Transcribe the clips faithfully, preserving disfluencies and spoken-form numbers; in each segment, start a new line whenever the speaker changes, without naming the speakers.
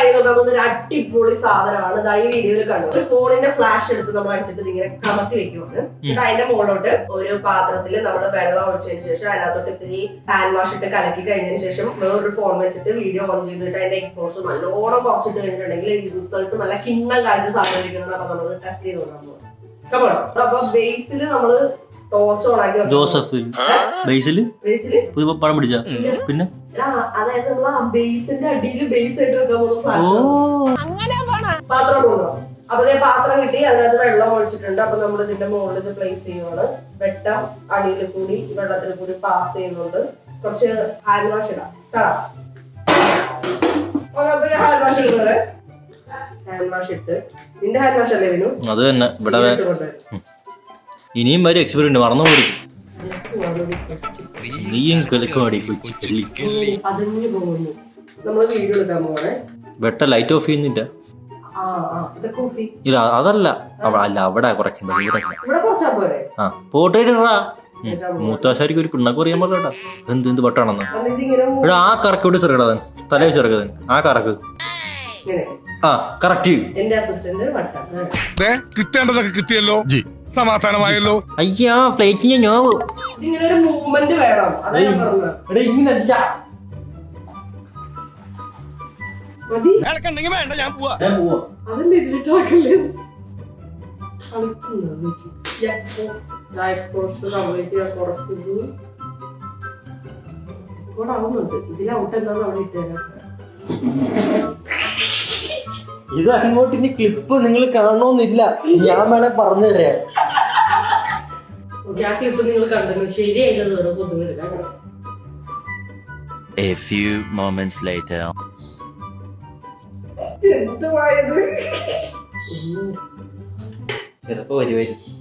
ചെയ്ത് നോക്കാൻ പോകുന്ന ഒരു അടിപൊളി സാധനമാണ്. ഇതാ ഈ വീഡിയോയിൽ കണ്ടു. ഒരു ഫോണിന്റെ ഫ്ലാഷ് എടുത്ത് നമ്മൾ അടിച്ചിട്ട് ഇങ്ങനെ കമത്തി വെക്കുവാണ്. എന്നിട്ട് അതിന്റെ മുകളിലോട്ട് ഒരു പാത്രത്തിൽ നമ്മൾ വെള്ളം ഒഴിച്ചതിന് ശേഷം അതിനകത്തോട്ട് ഇത്തിരി ഹാൻഡ് വാഷ് ഇട്ട് കലക്കി കഴിഞ്ഞതിന് ശേഷം വേറൊരു ഫോൺ വെച്ചിട്ട് വീഡിയോ ഓൺ ചെയ്തിട്ട് അതിന്റെ എക്സ്പോഷർ നല്ലോണം കുറച്ചിട്ട് കഴിഞ്ഞിട്ടുണ്ടെങ്കിൽ റിസൾട്ട് നല്ല കിണ്ണം കാഴ്ച സാധനം. അപ്പൊ നമ്മൾ ടെസ്റ്റ് ചെയ്ത് നോക്കാൻ പോകും. അപ്പൊ ബേസിൽ നമ്മള് ടോർച്ച് ഓൺ ആക്കി
ജോസഫ് ബേസില് പടം പിടിച്ച പിന്നെ
അതായത് നമ്മൾ ആ ബേസിന്റെ അടിയിൽ ബേസ് ആയിട്ട് വെക്കാൻ പോകുന്ന ഫ്ലാഷ് പാത്രം കൊണ്ടുപോകാം. അപ്പൊ ഞാൻ പാത്രം കിട്ടി, അതിനകത്ത് വെള്ളം ഒഴിച്ചിട്ടുണ്ട്. അപ്പൊ നമ്മൾ ഇതിന്റെ മുകളിൽ ഇത് പ്ലേസ് ചെയ്യുവാണ്. വെട്ടം അടിയിൽ കൂടി വെള്ളത്തിൽ കൂടി പാസ് ചെയ്യുന്നുണ്ട്. കുറച്ച് ഹാൻഡ് വാഷ് ഇടാം. ഹാൻഡ് വാഷ് ഇടുന്നത് ഹാൻഡ് വാഷ് ഇട്ട് നിന്റെ ഹാൻഡ് വാഷ് അല്ലേ ഇതിനു? അത് തന്നെ ഇവിടെ
ഇനിയും വരെ എക്സ്പീരിയൻസ് മറന്നു പോയി. നീയും കളിക്കുവാടി
അതിന് പോകുന്നു. നമ്മള് വീഡിയോ എടുക്കാൻ പോകണേ.
വെട്ട ലൈറ്റ് ഓഫ് ചെയ്യുന്നില്ല. ഇല്ല അതല്ല അല്ല അവിടെ കുറയ്ക്കണ്ടത് ഇവിടെ. ആ പോർട്രേറ്റ് ഇടാ. മൂത്താശാരിക്ക് ഒരു പിണ്ണക്ക് പറയാൻ പാടില്ല. എന്ത് എന്ത് വട്ടാണെന്ന് ഇവിടെ ആ കറക്കോട്ട് ചെറുക്കട തലേ ചെറുക്കത് ആ കറക്ക്. ആ കറക്റ്റ്.
എന്റെ അസിസ്റ്റന്റ്
കിട്ടേണ്ടതൊക്കെ കിട്ടിയല്ലോ, സമാധാനമായല്ലോ.
അയ്യാ ഫ്ലൈറ്റിന് നോവ്
ഇതിങ്ങനെ ഒരു മൂവ്മെന്റ് വേണം. അതാ ഞാൻ പറഞ്ഞത്.
ഇങ്ങനല്ല
വേണ്ട ഞാൻ പോവാ.
അതിന്റെ ഇതിലിട്ടാക്കല്ലേ ആവുന്നുണ്ട്. ഇതിൽ ഔട്ട് എന്താന്ന് അവിടെ ഇട്ടേരാ.
ഇത് അങ്ങോട്ട് ഇനി ക്ലിപ്പ് നിങ്ങൾ കാണണമെന്നില്ല, ഞാൻ വേണേ പറഞ്ഞു തരാം.
ആ ക്ലിപ്പ് നിങ്ങൾ കണ്ടു ശരിയായില്ലെന്ന് വേറെ പൊതുവെ.
A few moments later.
എന്തുവായത്?
ചിലപ്പോ വരുമായിരിക്കും.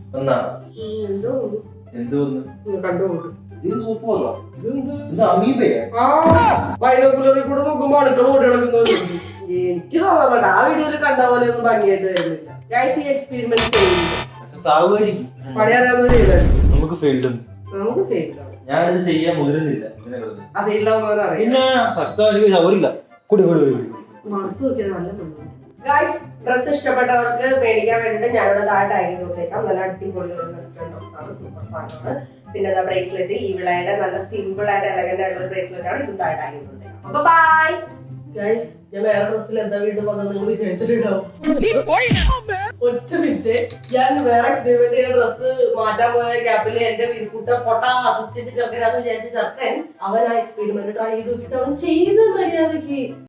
ബൈനോക്കുലറിൽ കൂടെ നോക്കുമ്പോ അണുക്കൾ ഓടി നടക്കുന്നത് എനിക്ക് തോന്നുന്നുണ്ട്. ആ വീഡിയോയിൽ കണ്ട പോലെ ഒന്നും ഭംഗിയായിട്ട് വരുന്നില്ല. എക്സ്പെരിമെന്റ് പണിയറിയാവുന്ന ചെയ്തായിരുന്നു.
നമുക്ക് ഫെയിൽഡ്
നമുക്ക് ഫെയിൽഡ്
ഞാനിത് ചെയ്യാൻ മുതിരുന്നില്ല.
ആ ഫെയിൽഡാവുന്നവരെ അറിയാം. മണത്ത് നോക്കിയത് നല്ല മണ്ണാണ്. ഡ്രസ് ഇഷ്ടപ്പെട്ടവർക്ക് മേടിക്കാൻ വേണ്ടിട്ട് ഞാനിവിടെ താഴെ ടാഗ് ചെയ്ത് കൊടുത്തേക്കാം. നല്ല അടിപൊളി ഒരു വെസ്റ്റേൺ ഡ്രസ്സാണ്, സൂപ്പർ സാധനമാണ്. പിന്നെ അതാ ബ്രേസ്ലെറ്റ് ഈ വിളയുടെ നല്ല സിമ്പിൾ ആയിട്ട് എലഗന്റ് ആയിട്ടുള്ള ബ്രേസ്ലെറ്റ് ആണ്. ഇതും താഴെ ടാഗ് ചെയ്ത് കൊടുത്തേക്കാം. അപ്പൊ ബൈ ഗൈസ്. ഞാൻ വേറെ ഡ്രസ്സിൽ എന്താ വീണ്ടും വന്നത് നിങ്ങൾ വിചാരിച്ചിട്ടുണ്ടാവും. ഒറ്റ മിനിറ്റ്, ഞാൻ വേറെ എക്സ്പെരിമെന്റ് ചെയ്യുന്ന ഡ്രസ്സ് മാറ്റാൻ പോയ ഗ്യാപ്പിൽ എന്റെ വീർക്കൂട്ട പൊട്ട അസിസ്റ്റന്റ് ചെറുക്കനാന്ന് വിചാരിച്ച ചെറുക്കൻ അവൻ ആ എക്സ്പെരിമെന്റ് ട്രൈ ചെയ്ത് നോക്കിയിട്ട് അവൻ ചെയ്ത് മര്യാദക്ക്